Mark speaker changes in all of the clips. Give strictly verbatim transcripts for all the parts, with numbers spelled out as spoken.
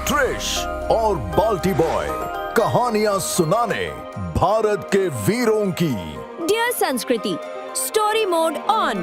Speaker 1: Trish और बाल्टी boy, कहानियां सुनाने भारत के वीरों की।
Speaker 2: डियर संस्कृति, स्टोरी मोड ऑन।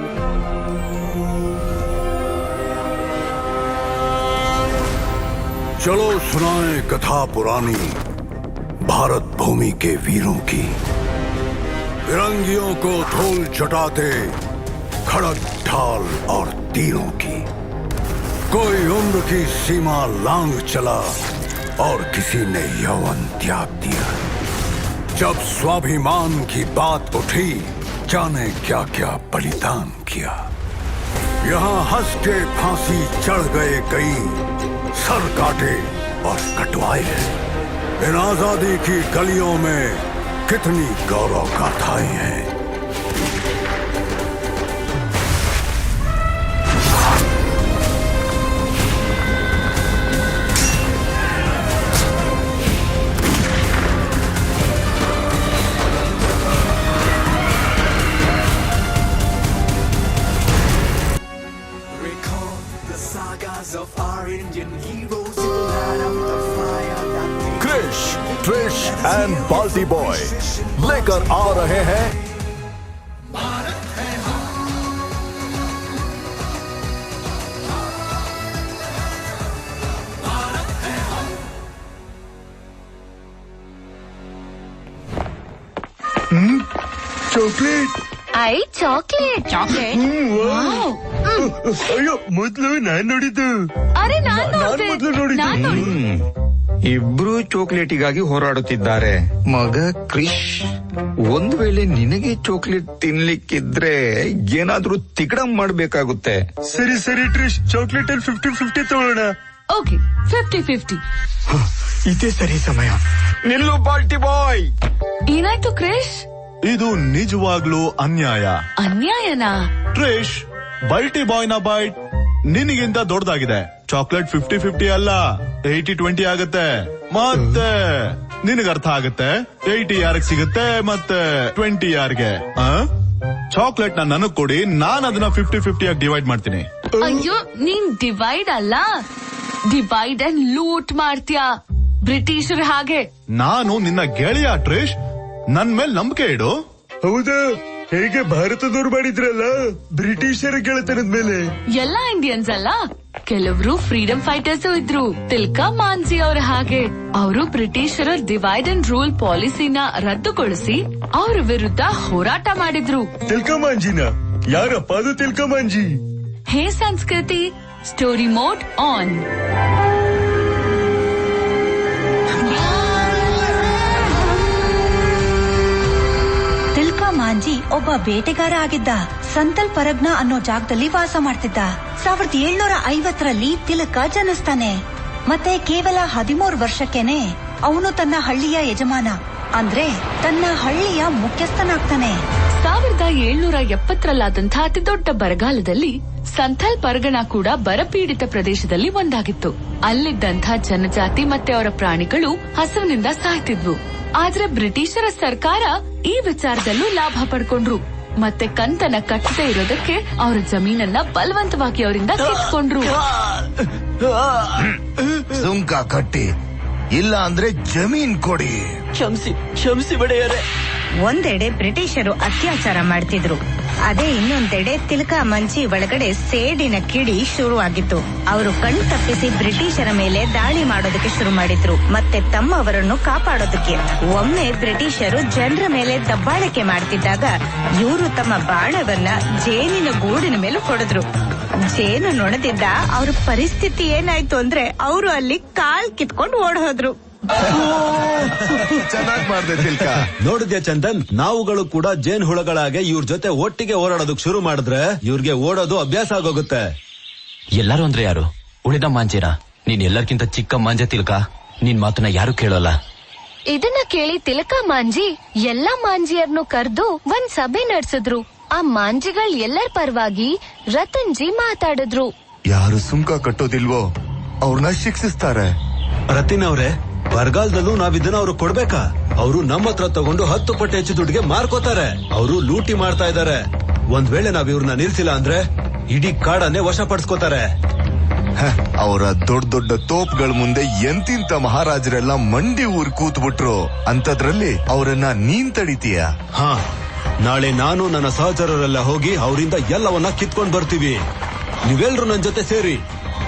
Speaker 3: चलो सुनाएं कथा पुरानी भारत भूमि के वीरों की। फिरंगियों को धूल चटाते खड़ग ढाल और तीरों की। कोई उम्र की सीमा लांघ चला और किसी ने यौवन त्याग दिया। जब स्वाभिमान की बात उठी, जाने क्या क्या बलिदान किया। यहाँ हंस के फांसी चढ़ गए कई, सर काटे और कटवाए। इन आजादी की गलियों में कितनी गौरव गाथाएं हैं।
Speaker 1: Krish, Trish and Balti boy लेकर आ रहे हैं
Speaker 4: चॉकलेट।
Speaker 5: ಐ ಚಾಕ್ಲೇಟ್ ಚಾಕ್ಲೇಟ್
Speaker 4: ಅಯ್ಯೋ, ಮೊದ್ಲು ನಾನ್ ನೋಡಿದ್ದು.
Speaker 5: ಅರೆ ನಾನ್
Speaker 4: ನಾನ್
Speaker 5: ನೋಡ್ದೆ.
Speaker 4: ಮೊದ್ಲು ನೋಡಿದ್ದು.
Speaker 5: ನಾನ್ ನೋಡಿದ್ದು.
Speaker 6: ಇಬ್ರು ಚಾಕ್ಲೇಟಿಗಾಗಿ ಹೋರಾಡುತ್ತಿದ್ದಾರೆ. ಮಗ ಕ್ರಿಶ್, ಒಂದ್ ವೇಳೆ ನಿನಗೆ ಚಾಕ್ಲೇಟ್ ತಿನ್ಲಿಕ್ಕಿದ್ರೆ ಏನಾದ್ರೂ ತಿಗಡಂ ಮಾಡ್ಬೇಕಾಗುತ್ತೆ.
Speaker 4: ಸರಿ ಸರಿ ಟ್ರಿಶ್, ಚಾಕ್ಲೇಟ್ ಅಲ್ಲಿ ಫಿಫ್ಟಿ ಫಿಫ್ಟಿ ತಗೊಳ್ಳೋಣ.
Speaker 5: Okay, fifty fifty.
Speaker 6: ಇದೇ ಸರಿ ಸಮಯ. ನಿಲ್ಲು ಬಾಲ್ಟಿ ಬಾಯ್.
Speaker 5: ಏನಾಯ್ತು ಕ್ರಿಶ್?
Speaker 7: ಇದು ನಿಜವಾಗ್ಲೂ ಅನ್ಯಾಯ.
Speaker 5: ಅನ್ಯಾಯನಾ?
Speaker 7: ಟ್ರಿಶ್, ಬಲ್ಟಿ ಬಾಯ್ ನ ಬೈಟ್ ನಿನಗಿಂತ ದೊಡ್ಡದಾಗಿದೆ. ಚಾಕ್ಲೇಟ್ ಫಿಫ್ಟಿ ಫಿಫ್ಟಿ ಅಲ್ಲ, ಏಯ್ಟಿ ಟ್ವೆಂಟಿ ಆಗುತ್ತೆ. ಮತ್ತೆ ನಿನಗೆ ಅರ್ಥ ಆಗುತ್ತೆ, ಏಯ್ಟಿ ಯಾರಿಗೆ ಸಿಗುತ್ತೆ ಮತ್ತೆ ಟ್ವೆಂಟಿ ಯಾರಿಗೆ. ಚಾಕ್ಲೇಟ್ ನ ನನಗ್ ಕೊಡಿ, ನಾನ್ ಅದನ್ನ ಫಿಫ್ಟಿ ಫಿಫ್ಟಿ ಆಗಿ ಡಿವೈಡ್ ಮಾಡ್ತೀನಿ.
Speaker 5: ಅಯ್ಯೋ, ನೀನ್ ಡಿವೈಡ್ ಅಲ್ಲ, ಡಿವೈಡ್ ಅಂಡ್ ಲೂಟ್ ಮಾಡ್ತೀಯಾ ಬ್ರಿಟಿಷರ್ ಹಾಗೆ.
Speaker 7: ನಾನು ನಿನ್ನ ಗೆಳೆಯ ಟ್ರಿಶ್, ನನ್ ಮೇಲ್ ನಂಬಿಕೆ ಇಡು.
Speaker 4: ಹೌದಾ? ಹೇಗೆ ಭಾರತದವ್ರು ಮಾಡಿದ್ರಲ್ಲ ಬ್ರಿಟಿಷರ ಗೆಳೆತನದ ಮೇಲೆ.
Speaker 5: ಎಲ್ಲಾ ಇಂಡಿಯನ್ಸ್ ಅಲ್ಲ, ಕೆಲವರು ಫ್ರೀಡಂ ಫೈಟರ್ಸ್ ಇದ್ರು. ತಿಲ್ಕಾ ಮಾಂಜಿ ಅವರ ಹಾಗೆ ಅವರು ಬ್ರಿಟಿಷರ ಡಿವೈಡ್ ಅಂಡ್ ರೂಲ್ ಪಾಲಿಸಿನ ರದ್ದುಗೊಳಿಸಿ ಅವರ ವಿರುದ್ಧ ಹೋರಾಟ ಮಾಡಿದ್ರು.
Speaker 4: ತಿಲ್ಕಾ ಮಾಂಜಿನ? ಯಾರಪ್ಪ ಅದು ತಿಲ್ಕಾ ಮಾಂಜಿ?
Speaker 5: ಹೇ Sanskriti, story mode on.
Speaker 8: Tilka Manjhi ಒಬ್ಬ ಬೇಟೆಗಾರ ಆಗಿದ್ದ. ಸಂತಲ್ ಪರಗ್ನ ಅನ್ನೋ ಜಾಗದಲ್ಲಿ ವಾಸ ಮಾಡ್ತಿದ್ದ. ಸಾವಿರದ ಏಳ್ನೂರ ಐವತ್ತರಲ್ಲಿ ತಿಲಕ ಜನಿಸ್ತಾನೆ. ಮತ್ತೆ ಕೇವಲ ಹದಿಮೂರು ವರ್ಷಕ್ಕೇನೆ ಅವನು ತನ್ನ ಹಳ್ಳಿಯ ಯಜಮಾನ, ಅಂದ್ರೆ ತನ್ನ ಹಳ್ಳಿಯ ಮುಖ್ಯಸ್ಥನಾಗ್ತಾನೆ.
Speaker 5: ಸಾವಿರದ ಏಳ್ನೂರ ಎಪ್ಪತ್ತರಲ್ಲಾದಂತಹ ಅತಿ ದೊಡ್ಡ ಬರಗಾಲದಲ್ಲಿ ಸಂಥಲ್ ಪರಗಣ ಕೂಡ ಬರಪೀಡಿತ ಪ್ರದೇಶದಲ್ಲಿ ಒಂದಾಗಿತ್ತು. ಅಲ್ಲಿದ್ದಂಥ ಜನಜಾತಿ ಮತ್ತೆ ಅವರ ಪ್ರಾಣಿಗಳು ಹಸುವಿನಿಂದ ಸಾಯ್ತಿದ್ವು. ಆದ್ರೆ ಬ್ರಿಟಿಷರ ಸರ್ಕಾರ ಈ ವಿಚಾರದಲ್ಲೂ ಲಾಭ ಪಡ್ಕೊಂಡ್ರು. ಮತ್ತೆ ಕಂತನ ಕಟ್ಟದೆ ಇರೋದಕ್ಕೆ ಅವರ ಜಮೀನನ್ನ ಬಲವಂತವಾಗಿ ಅವರಿಂದ ಕಿತ್ಕೊಂಡ್ರು.
Speaker 9: ಸುಂಕ ಕಟ್ಟಿ, ಇಲ್ಲ ಅಂದ್ರೆ ಜಮೀನ್ ಕೊಡಿ.
Speaker 10: ಕ್ಷಮಿಸಿ ಕ್ಷಮಿಸಿ ಬಡೆಯರೆ.
Speaker 8: ಒಂದೆಡೆ ಬ್ರಿಟಿಷರು ಅತ್ಯಾಚಾರ ಮಾಡ್ತಿದ್ರು, ಅದೇ ಇನ್ನೊಂದೆಡೆ ತಿಲಕಾ ಮಂಜಿ ಒಳಗಡೆ ಸೇಡಿನ ಕಿಡಿ ಶುರುವಾಗಿತ್ತು. ಅವರು ಕಣ್ ತಪ್ಪಿಸಿ ಬ್ರಿಟಿಷರ ಮೇಲೆ ದಾಳಿ ಮಾಡೋದಕ್ಕೆ ಶುರು ಮಾಡಿದ್ರು, ಮತ್ತೆ ತಮ್ಮವರನ್ನು ಕಾಪಾಡೋದಕ್ಕೆ. ಒಮ್ಮೆ ಬ್ರಿಟಿಷರು ಜನರ ಮೇಲೆ ದಬ್ಬಾಳಿಕೆ ಮಾಡ್ತಿದ್ದಾಗ ಇವರು ತಮ್ಮ ಬಾಣವನ್ನ ಜೇನಿನ ಗೂಡಿನ ಮೇಲೆ ಹೊಡೆದ್ರು. ಜೇನು ನೊಣದಿದ್ದ ಅವ್ರ ಪರಿಸ್ಥಿತಿ ಏನಾಯ್ತು ಅಂದ್ರೆ ಅವರು ಅಲ್ಲಿ ಕಾಲ್ ಕಿತ್ಕೊಂಡು ಓಡ್ ಹೋದ್ರು.
Speaker 9: ಚೆನ್ನಾಗ್ ಮಾಡ್ದೆ ತಿಲ್ಕ.
Speaker 11: ನೋಡಿದ್ಯಾ ಚಂದನ್, ನಾವುಗಳು ಕೂಡ ಜೇನ್ ಹುಳಗಳಾಗೆ ಇವ್ರ ಜೊತೆ ಒಟ್ಟಿಗೆ ಓಡಾಡೋದಕ್ ಶುರು ಮಾಡಿದ್ರೆ ಇವ್ರಿಗೆ ಓಡೋದು ಅಭ್ಯಾಸ ಆಗೋಗುತ್ತೆ.
Speaker 10: ಎಲ್ಲರೂ ಅಂದ್ರೆ ಯಾರು? ಉಳಿದ ಮಾಂಜಿನ? ನೀನ್ ಎಲ್ಲರಿಗಿಂತ ಚಿಕ್ಕ ಮಾಂಜ ತಿಲ್ಕ, ನಿನ್ ಮಾತನ್ನ ಯಾರು ಕೇಳೋಲ್ಲ.
Speaker 5: ಇದನ್ನ ಕೇಳಿ ತಿಲಕಾ ಮಾಂಜಿ ಎಲ್ಲಾ ಮಾಂಜಿಯರ್ನು ಕರೆದು ಒಂದ್ ಸಭೆ ನಡೆಸಿದ್ರು. ಆ ಮಾಂಜಿಗಳ್ ಎಲ್ಲರ ಪರವಾಗಿ ರತನ್ಜಿ ಮಾತಾಡಿದ್ರು.
Speaker 9: ಯಾರು ಸುಂಕ ಕಟ್ಟೋದಿಲ್ವೋ ಅವ್ರನ್ನ ಶಿಕ್ಷಿಸ್ತಾರೆ.
Speaker 11: ರತಿನ್ ಅವ್ರೆ, ಬರಗಾಲದಲ್ಲೂ ನಾವಿದನ್ನ ಅವ್ರು ಕೊಡ್ಬೇಕಾ? ಅವರು ನಮ್ಮ ಹತ್ರ ತಗೊಂಡು ಹತ್ತು ಪಟ್ಟು ಹೆಚ್ಚು ದುಡ್ಡಿಗೆ ಮಾರ್ಕೋತಾರೆ. ಅವರು ಲೂಟಿ ಮಾಡ್ತಾ ಇದ್ದಾರೆ. ಒಂದ್ ವೇಳೆ ನಾವ್ ಇವ್ರನ್ನ ನಿಲ್ಸಿಲ್ಲ ಅಂದ್ರೆ ಇಡೀ ಕಾಡನ್ನೇ ವಶಪಡಿಸ್ಕೋತಾರೆ.
Speaker 9: ಅವರ ದೊಡ್ಡ ದೊಡ್ಡ ತೋಪ್ಗಳ ಮುಂದೆ ಎಂತಿಂತ ಮಹಾರಾಜರೆಲ್ಲ ಮಂಡಿ ಊರ್ ಕೂತ್ ಬಿಟ್ರು ಅಂತದ್ರಲ್ಲಿ ಅವರನ್ನ ನೀನ್ ತಡಿತೀಯ?
Speaker 11: ಹಾ, ನಾಳೆ ನಾನು ನನ್ನ ಸಹಚರರೆಲ್ಲ ಹೋಗಿ ಅವರಿಂದ ಎಲ್ಲವನ್ನ ಕಿತ್ಕೊಂಡ್ ಬರ್ತೀವಿ. ನೀವೆಲ್ರು ನನ್ ಜೊತೆ ಸೇರಿ.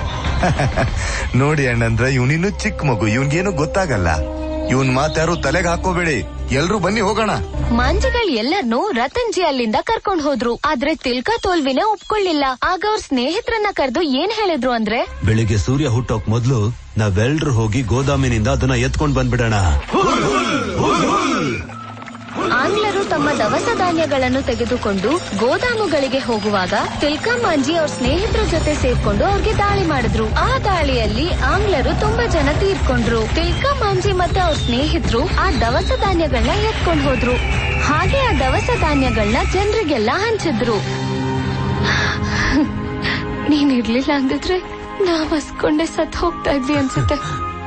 Speaker 9: ನೋಡಿ ಅಣ್ಣಂದ್ರ ಇವನಿನ್ನು ಚಿಕ್ಕ ಮಗು, ಇವನ್ಗೇನು ಗೊತ್ತಾಗಲ್ಲ. ಇವನ್ ಮಾತಾರು ತಲೆಗೆ ಹಾಕೋಬೇಡಿ. ಎಲ್ರು ಬನ್ನಿ ಹೋಗೋಣ.
Speaker 2: ಮಾಂಜಿಗಳ್ ಎಲ್ಲರನ್ನೂ ರತನ್ ಜಿ ಅಲ್ಲಿಂದ ಕರ್ಕೊಂಡ್ ಹೋದ್ರು. ಆದ್ರೆ ತಿಲ್ಕಾ ತೋಲ್ವಿನೇ ಒಪ್ಕೊಳ್ಳಿಲ್ಲ. ಆಗ ಅವ್ರ ಸ್ನೇಹಿತರನ್ನ ಕರೆದು ಏನ್ ಹೇಳಿದ್ರು ಅಂದ್ರೆ,
Speaker 11: ಬೆಳಿಗ್ಗೆ ಸೂರ್ಯ ಹುಟ್ಟೋಕ್ ಮೊದ್ಲು ನಾವೆಲ್ರು ಹೋಗಿ ಗೋದಾಮಿನಿಂದ ಅದನ್ನ ಎತ್ಕೊಂಡ್ ಬಂದ್ಬಿಡೋಣ.
Speaker 2: ಆಂಗ್ಲರು ತಮ್ಮ ದವಸ ಧಾನ್ಯಗಳನ್ನು ತೆಗೆದುಕೊಂಡು ಗೋದಾಮುಗಳಿಗೆ ಹೋಗುವಾಗ ತಿಲ್ಕಾ ಮಾಂಜಿ ಅವ್ರ ಸ್ನೇಹಿತರ ಜೊತೆ ಸೇರ್ಕೊಂಡು ಅವ್ರಿಗೆ ದಾಳಿ ಮಾಡಿದ್ರು. ಆ ದಾಳಿಯಲ್ಲಿ ಆಂಗ್ಲರು ತುಂಬಾ ಜನ ತೀರ್ಕೊಂಡ್ರು. ತಿಲ್ಕಾ ಮಾಂಜಿ ಮತ್ತೆ ಅವ್ರ ಸ್ನೇಹಿತರು ಆ ದವಸ ಧಾನ್ಯಗಳನ್ನ ಎತ್ಕೊಂಡು ಹೋದ್ರು. ಹಾಗೆ ಆ ದವಸ ಧಾನ್ಯಗಳನ್ನ ಜನರಿಗೆಲ್ಲ ಹಂಚಿದ್ರು. ನೀನ್ ಇರ್ಲಿಲ್ಲ ಅಂದಿದ್ರೆ ನಾವ್ ಹಸ್ಕೊಂಡೆ ಸತ್ ಹೋಗ್ತಾ ಇದ್ವಿ ಅನ್ಸುತ್ತೆ.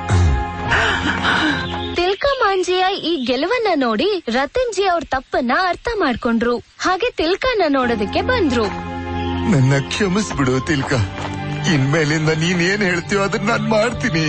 Speaker 2: ತಿಲ್ಕಾ ಮಾಂಜಿಯ ಈ ಗೆಲುವನ್ನ ನೋಡಿ ರತನ್ ಜಿ ಅವ್ರ ತಪ್ಪನ್ನ ಅರ್ಥ ಮಾಡ್ಕೊಂಡ್ರು. ಹಾಗೆ ತಿಲ್ಕಾನ ನೋಡೋದಕ್ಕೆ ಬಂದ್ರು.
Speaker 9: ನನ್ನ ಕ್ಷಮಿಸ್ಬಿಡು ತಿಲ್ಕ, ಇನ್ಮೇಲಿಂದ ನೀನ್ ಏನ್ ಹೇಳ್ತೀಯೋ ಅದನ್ನ ನಾನ್ ಮಾಡ್ತೀನಿ.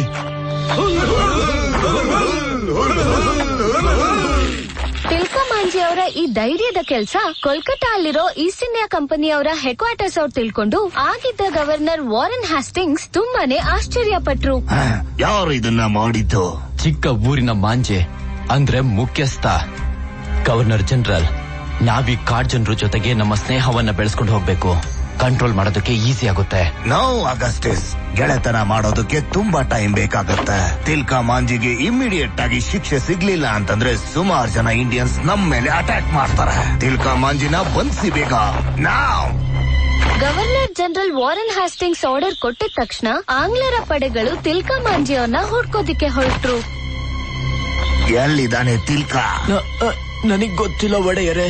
Speaker 2: ತಿಲ್ಕಾ ಮಾಂಜಿ ಅವರ ಈ ಧೈರ್ಯದ ಕೆಲ್ಸ ಕೋಲ್ಕತ್ತಾ ಅಲ್ಲಿರೋ ಈಸ್ಟ್ ಇಂಡಿಯಾ ಕಂಪನಿಯವರ ಹೆಡ್ ಕ್ವಾರ್ಟರ್ಸ್ ಅವ್ರು ತಿಳ್ಕೊಂಡು ಆಗಿದ್ದ ಗವರ್ನರ್ ವಾರನ್ ಹ್ಯಾಸ್ಟಿಂಗ್ಸ್ ತುಂಬಾನೇ ಆಶ್ಚರ್ಯ ಪಟ್ರು.
Speaker 9: ಯಾರು ಇದನ್ನ ಮಾಡಿದ್ದು?
Speaker 10: ಚಿಕ್ಕ ಊರಿನ ಮಾಂಜೆ ಅಂದ್ರೆ ಮುಖ್ಯಸ್ಥ ಗವರ್ನರ್ ಜನರಲ್. ನಾವೀ ಕಾಡ್ ಜನರ ಜೊತೆಗೆ ನಮ್ಮ ಸ್ನೇಹವನ್ನ ಬೆಳೆಸ್ಕೊಂಡು ಹೋಗ್ಬೇಕು. ಕಂಟ್ರೋಲ್ ಮಾಡೋದಕ್ಕೆ ಈಸಿ ಆಗುತ್ತೆ.
Speaker 9: ನಾವು ಅಗಸ್ಟಿಸ್ ಗೆಳೆತನ ಮಾಡೋದಕ್ಕೆ ತುಂಬಾ ಟೈಮ್ ಬೇಕಾಗುತ್ತೆ. ತಿಲ್ಕಾ ಮಾಂಜಿಗೆ ಇಮಿಡಿಯೇಟ್ ಆಗಿ ಶಿಕ್ಷೆ ಸಿಗ್ಲಿಲ್ಲ ಅಂತಂದ್ರೆ ಸುಮಾರು ಜನ ಇಂಡಿಯನ್ಸ್ ನಮ್ ಮೇಲೆ ಅಟ್ಯಾಕ್ ಮಾಡ್ತಾರೆ. ತಿಲ್ಕಾ ಮಾಂಜಿನ ಬಂಧಿಸಿ ಬೇಗ ನಾವ್.
Speaker 2: Governor general Warren Hastings order ಕೊಟ್ಟಿದ ತಕ್ಷಣ ಆಂಗ್ಲರ ಪಡೆಗಳು ತಿಲ್ಕಾ ಮಾಂಜಿ ಅವ್ರನ್ನ ಹುಡ್ಕೋದಿಕ್ಕೆ ಹೊರಟ್ರು.
Speaker 9: ಎಲ್ಲಿದ್ದಾನೆ ತಿಲ್ಕಾ?
Speaker 10: ನನಗ್ ಗೊತ್ತಿಲ್ಲ ಒಡೆಯರೆ.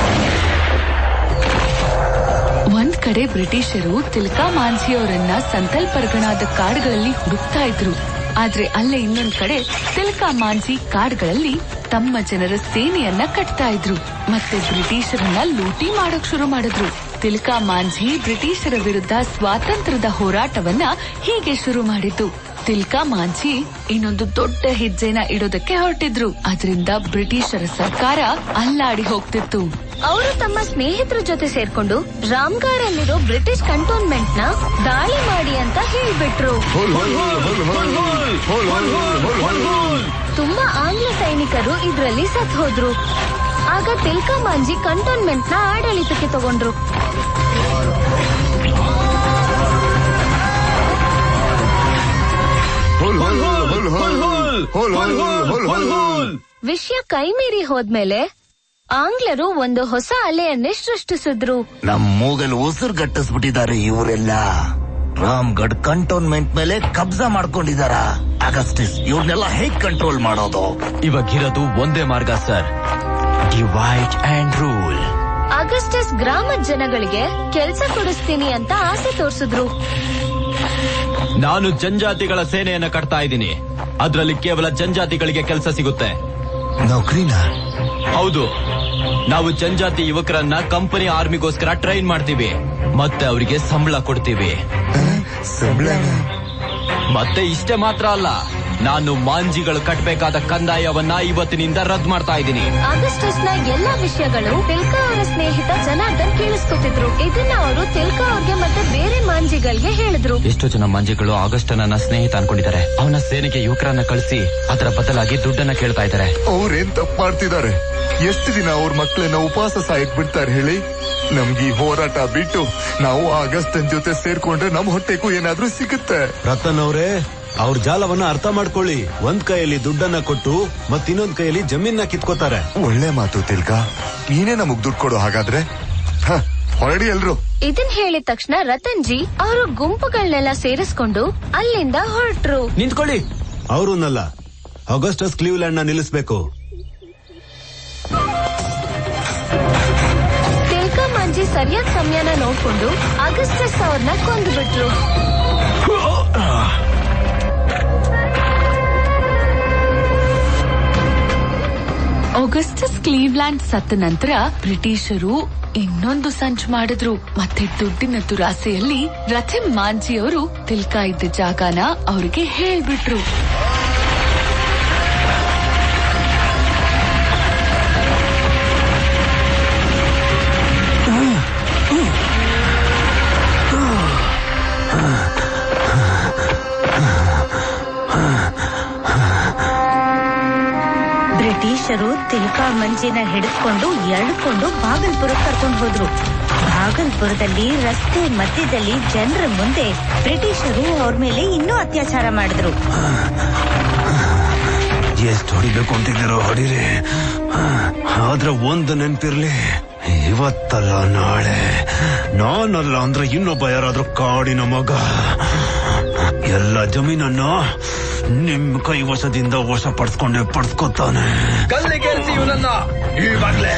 Speaker 5: ಒಂದ್ ಕಡೆ ಬ್ರಿಟಿಷರು ತಿಲ್ಕಾ ಮಾಂಜಿ ಅವರನ್ನ ಸಂತಲ್ ಪರಗಣಾದ ಕಾಡುಗಳಲ್ಲಿ ಹುಡುಕ್ತಾ ಇದ್ರು. ಆದ್ರೆ ಅಲ್ಲೇ ಇನ್ನೊಂದ್ ಕಡೆ ತಿಲ್ಕಾ ಮಾಂಜಿ ಕಾಡುಗಳಲ್ಲಿ ತಮ್ಮ ಜನರ ಸೇನೆಯನ್ನ ಕಟ್ತಾ ಇದ್ರು ಮತ್ತೆ ಬ್ರಿಟಿಷರನ್ನ ಲೂಟಿ ಮಾಡೋಕ್ ಶುರು ಮಾಡಿದ್ರು. ತಿಲ್ಕಾ ಮಾಂಜಿ ಬ್ರಿಟಿಷರ ವಿರುದ್ಧ ಸ್ವಾತಂತ್ರ್ಯದ ಹೋರಾಟವನ್ನ ಹೀಗೆ ಶುರು ಮಾಡಿದ್ದು. ತಿಲ್ಕಾ ಮಾಂಜಿ ಇನ್ನೊಂದು ದೊಡ್ಡ ಹೆಜ್ಜೆನ ಇಡೋದಕ್ಕೆ ಹೊರಟಿದ್ರು. ಅದರಿಂದ ಬ್ರಿಟಿಷರ ಸರ್ಕಾರ ಅಲ್ಲಾಡಿ ಹೋಗ್ತಿತ್ತು.
Speaker 2: ಅವರು ತಮ್ಮ ಸ್ನೇಹಿತರ ಜೊತೆ ಸೇರ್ಕೊಂಡು ರಾಮ್ಗಾರ್ ಅಲ್ಲಿರೋ ಬ್ರಿಟಿಷ್ ಕಂಟೋನ್ಮೆಂಟ್ ನ ದಾಳಿ ಮಾಡಿ ಅಂತ ಹೇಳ್ಬಿಟ್ರು. ತುಂಬಾ ಆಂಗ್ಲ ಸೈನಿಕರು ಇದ್ರಲ್ಲಿ ಸತ್ ಹೋದ್ರು. ಆಗ ತಿಲ್ಕಾ ಮಾಂಜಿ ಕಂಟೋನ್ಮೆಂಟ್ ನ ಆಡಳಿತಕ್ಕೆ ತಗೊಂಡ್ರು. ವಿಷಯ ಕೈಮೀರಿ ಹೋದ್ಮೇಲೆ ಆಂಗ್ಲರು ಒಂದು ಹೊಸ ಅಲೆಯನ್ನೇ ಸೃಷ್ಟಿಸಿದ್ರು.
Speaker 9: ನಮ್ ಮೂಗಲ್ ಉಸಿರು ಗಟ್ಟಿಸ್ಬಿಟ್ಟಿದ್ದಾರೆ ಇವರೆಲ್ಲ. ರಾಮ್ಗಢ್ ಕಂಟೋನ್ಮೆಂಟ್ ಮೇಲೆ ಕಬ್ಜಾ ಮಾಡ್ಕೊಂಡಿದಾರ. ಅಗಸ್ಟಿಸ್ ಇವ್ರನ್ನೆಲ್ಲ ಹೇಗ್ ಕಂಟ್ರೋಲ್ ಮಾಡೋದು?
Speaker 10: ಇವಾಗಿರೋದು ಒಂದೇ ಮಾರ್ಗ sir, divide and rule.
Speaker 2: Augustus ಗ್ರಾಮದ ಜನಗಳಿಗೆ ಕೆಲ್ಸ ಕೊಡಿಸ್ತೀನಿ ಅಂತ ಆಸೆ ತೋರಿಸಿದ್ರು.
Speaker 10: ನಾನು ಜನಜಾತಿಗಳ ಸೇನೆಯನ್ನ ಕಟ್ತಾ ಇದ್ದೀನಿ. ಅದ್ರಲ್ಲಿ ಕೇವಲ ಜನಜಾತಿಗಳಿಗೆ ಕೆಲಸ ಸಿಗುತ್ತೆ.
Speaker 9: ನೌಕರಿನ?
Speaker 10: ಹೌದು. ನಾವು ಜನಜಾತಿ ಯುವಕರನ್ನ ಕಂಪನಿ ಆರ್ಮಿಗೋಸ್ಕರ ಟ್ರೈನ್ ಮಾಡ್ತೀವಿ ಮತ್ತೆ ಅವರಿಗೆ ಸಂಬಳ ಕೊಡ್ತೀವಿ. ಮತ್ತೆ ಇಷ್ಟೇ ಮಾತ್ರ ಅಲ್ಲ, ನಾನು ಮಾಂಜಿಗಳು ಕಟ್ಟಬೇಕಾದ ಕಂದಾಯವನ್ನ ಇವತ್ತಿನಿಂದ ರದ್ದು ಮಾಡ್ತಾ ಇದ್ದೀನಿ.
Speaker 2: ಆಗಸ್ಟಸ್ ನ ಎಲ್ಲಾ ವಿಷಯಗಳು ತಿಲ್ಕಾ ಅವರ ಸ್ನೇಹಿತ ಜನಾರ್ದನ್ ಕೇಳಿಸ್ಕೊತಿದ್ರು. ಇದನ್ನ ಅವರು ತಿಲ್ಕಾ ಅವ್ರಿಗೆ ಮತ್ತೆ ಬೇರೆ ಮಾಂಜಿಗಳಿಗೆ ಹೇಳಿದ್ರು.
Speaker 10: ಎಷ್ಟೋ ಜನ ಮಾಂಜಿಗಳು ಆಗಸ್ಟ್ ನನ್ನ ಸ್ನೇಹಿತ ಅನ್ಕೊಂಡಿದ್ದಾರೆ. ಅವನ ಸೇನೆಗೆ ಯುವಕರನ್ನ ಕಳಿಸಿ ಅದರ ಬದಲಾಗಿ ದುಡ್ಡನ್ನ ಕೇಳ್ತಾ ಇದ್ದಾರೆ.
Speaker 9: ಅವ್ರೇನ್ ತಪ್ಪು ಮಾಡ್ತಿದ್ದಾರೆ? ಎಷ್ಟು ದಿನ ಅವ್ರ ಮಕ್ಕಳನ್ನ ಉಪವಾಸ ಸಾಯಕ್ ಬಿಡ್ತಾರೆ ಹೇಳಿ? ನಮ್ಗೆ ಈ ಹೋರಾಟ ಬಿಟ್ಟು ನಾವು ಆಗಸ್ಟನ್ ಜೊತೆ ಸೇರ್ಕೊಂಡ್ರೆ ನಮ್ ಹೊಟ್ಟೆಗೂ ಏನಾದ್ರೂ ಸಿಗುತ್ತೆ.
Speaker 11: ರತನ್ ಅವರೇ, ಅವ್ರ ಜಾಲವನ್ನ ಅರ್ಥ ಮಾಡ್ಕೊಳ್ಳಿ. ಒಂದ್ ಕೈಯಲ್ಲಿ ದುಡ್ಡನ್ನ ಕೊಟ್ಟು ಮತ್ ಇನ್ನೊಂದ್ ಕೈಯಲ್ಲಿ ಜಮೀನ ಕಿತ್ಕೋತಾರೆ.
Speaker 9: ಒಳ್ಳೆ ಮಾತು ತಿಲ್ಕಾ, ನೀನೇ ನಮಗ್ ದುಡ್ಡು ಕೊಡು. ಹಾಗಾದ್ರೆ ಹೊರಡಿ ಎಲ್ರು.
Speaker 2: ಇದನ್ ಹೇಳಿದ ತಕ್ಷಣ ರತನ್ ಜಿ ಅವರು ಗುಂಪುಗಳನ್ನೆಲ್ಲ ಸೇರಿಸ್ಕೊಂಡು ಅಲ್ಲಿಂದ ಹೊರಟ್ರು.
Speaker 10: ನಿಂತ್ಕೊಳ್ಳಿ.
Speaker 11: ಅವ್ರನ್ನಲ್ಲ, ಆಗಸ್ಟಸ್ ಕ್ಲೀವ್ಲ್ಯಾಂಡ್ ನ ನಿಲ್ಲಿಸ್ಬೇಕು.
Speaker 2: ತಿಲ್ಕಾ ಮಾಂಜಿ ಸರಿಯಾದ ಸಮಯನ ನೋಡ್ಕೊಂಡು ಆಗಸ್ಟಸ್ ಅವ್ರನ್ನ ಕೊಂದು ಬಿಟ್ರು.
Speaker 5: ಆಗಸ್ಟಸ್ ಕ್ಲೀವ್ಲ್ಯಾಂಡ್ ಸತ್ತ ನಂತರ ಬ್ರಿಟಿಷರು ಇನ್ನೊಂದು ಸಂಚು ಮಾಡಿದ್ರು. ಮತ್ತೆ ದುಡ್ಡಿನ ದುರಾಸೆಯಲ್ಲಿ ರಥೆಂ ಮಾಂಜಿಯವರು ತಿಲ್ಕಾ ಇದ್ದ ಜಾಗನ ಅವ್ರಿಗೆ ಹೇಳ್ಬಿಟ್ರು.
Speaker 8: ಬ್ರಿಟಿಷರು ತಿಲ್ಕಾ ಮಂಜಿನ ಹಿಡಿದುಕೊಂಡು ಎಳ್ಕೊಂಡು ಭಾಗಲ್ಪುರಕ್ಕೆ ಕರ್ಕೊಂಡು ಹೋದ್ರು. ಭಾಗಲ್ಪುರದಲ್ಲಿ ರಸ್ತೆ ಮಧ್ಯದಲ್ಲಿ ಜನರ ಮುಂದೆ ಬ್ರಿಟಿಷರು ಅವ್ರ ಮೇಲೆ ಇನ್ನೂ ಅತ್ಯಾಚಾರ ಮಾಡಿದ್ರು.
Speaker 11: ಎಷ್ಟು ಹೊಡಿಬೇಕು ಅಂತಿದ್ದೀರೋ ಹೊಡಿರಿ, ಆದ್ರೆ ಒಂದು ನೆನ್ಪಿರ್ಲಿ, ಇವತ್ತಲ್ಲ ನಾಳೆ ನಾನಲ್ಲ ಅಂದ್ರೆ ಇನ್ನೊಬ್ಬ ಯಾರಾದ್ರೂ ಕಾಡಿನ ಮಗ ಎಲ್ಲ ಜಮೀನನ್ನ ನಿಮ್ ಕೈ ವಶದಿಂದ ವಶ ಪಡ್ಸ್ಕೊಂಡೆ ಪಡ್ಸ್ಕೊತಾನೆ.
Speaker 6: ಕಲ್ಲಿಗೇರಿಸಿ ಇವನನ್ನ ಇವಾಗ್ಲೇ.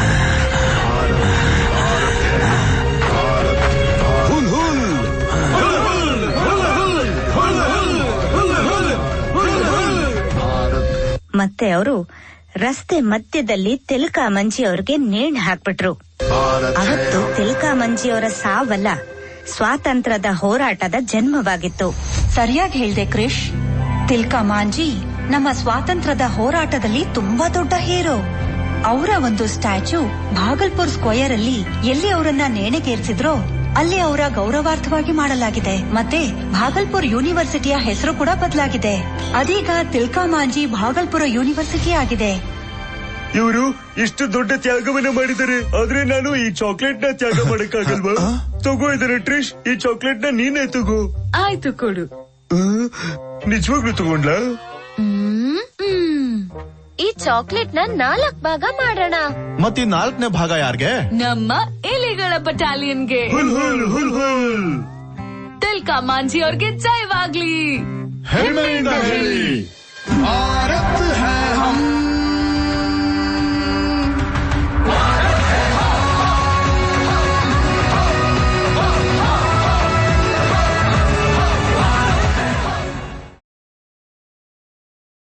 Speaker 8: ಮತ್ತೆ ಅವರು ರಸ್ತೆ ಮಧ್ಯದಲ್ಲಿ ತಿಲ್ಕಾ ಮಂಜಿ ಅವ್ರಿಗೆ ನೇಣು ಹಾಕ್ಬಿಟ್ರು. ಅವತ್ತು ತಿಲ್ಕಾ ಮಂಜಿ ಅವರ ಸಾವಲ್ಲ, ಸ್ವಾತಂತ್ರ್ಯದ ಹೋರಾಟದ ಜನ್ಮವಾಗಿತ್ತು.
Speaker 12: ಸರಿಯಾಗಿ ಹೇಳ್ದೆ ಕ್ರಿಶ್. ತಿಲ್ಕಾ ಮಾಂಜಿ ನಮ್ಮ ಸ್ವಾತಂತ್ರ್ಯದ ಹೋರಾಟದಲ್ಲಿ ತುಂಬಾ ದೊಡ್ಡ ಹೀರೋ. ಅವರ ಒಂದು ಸ್ಟ್ಯಾಚ್ಯೂ ಭಾಗಲ್ಪುರ್ ಸ್ಕ್ವೇರ್ ಅಲ್ಲಿ ಎಲ್ಲಿ ಅವರನ್ನ ನೇಣಿಗೇರಿಸಿದ್ರೋ ಅಲ್ಲಿ ಅವರ ಗೌರವಾರ್ಥವಾಗಿ ಮಾಡಲಾಗಿದೆ. ಮತ್ತೆ ಭಾಗಲ್ಪುರ್ ಯೂನಿವರ್ಸಿಟಿಯ ಹೆಸರು ಕೂಡ ಬದಲಾಗಿದೆ. ಅದೀಗ ತಿಲ್ಕಾ ಮಾಂಜಿ ಭಾಗಲ್ಪುರ ಯೂನಿವರ್ಸಿಟಿ ಆಗಿದೆ.
Speaker 4: ಇವರು ಇಷ್ಟು ದೊಡ್ಡ ತ್ಯಾಗವನ್ನ ಮಾಡಿದ್ದಾರೆ, ಆದ್ರೆ ನಾನು ಈ ಚಾಕ್ಲೇಟ್ ನ ತ್ಯಾಗ ಮಾಡಕ್ಕಾಗಲ್ವಾ? ತಗೋ ಇದನ್ನ ಟ್ರಿಶ್, ಈ ಚಾಕ್ಲೇಟ್ ನ ನೀನೇ ತಗೋ.
Speaker 5: ಆಯ್ತು ಕೊಡು.
Speaker 4: ನಿಜವಾಗ್ಲೂ ತಗೊಂಡ್ಲಾ?
Speaker 2: ಈ ಚಾಕ್ಲೇಟ್ ನ ನಾಲ್ಕ್ ಭಾಗ ಮಾಡೋಣ.
Speaker 7: ಮತ್ತಿ ನಾಲ್ಕನೇ ಭಾಗ ಯಾರ್ಗೆ?
Speaker 5: ನಮ್ಮ ಎಲೆಗಳ ಬಟಾಲಿಯನ್ಗೆ.
Speaker 4: ಹುಲ್ ಹುಲ್ ಹುಲ್ ಹುಲ್.
Speaker 5: ತಿಲ್ಕಾ ಮಾಂಜಿ ಅವ್ರಿಗೆ ಜಯವಾಗ್ಲಿ.
Speaker 7: ಹೆಮ್ಮೆಯಿಂದ ಹೇಳಿ.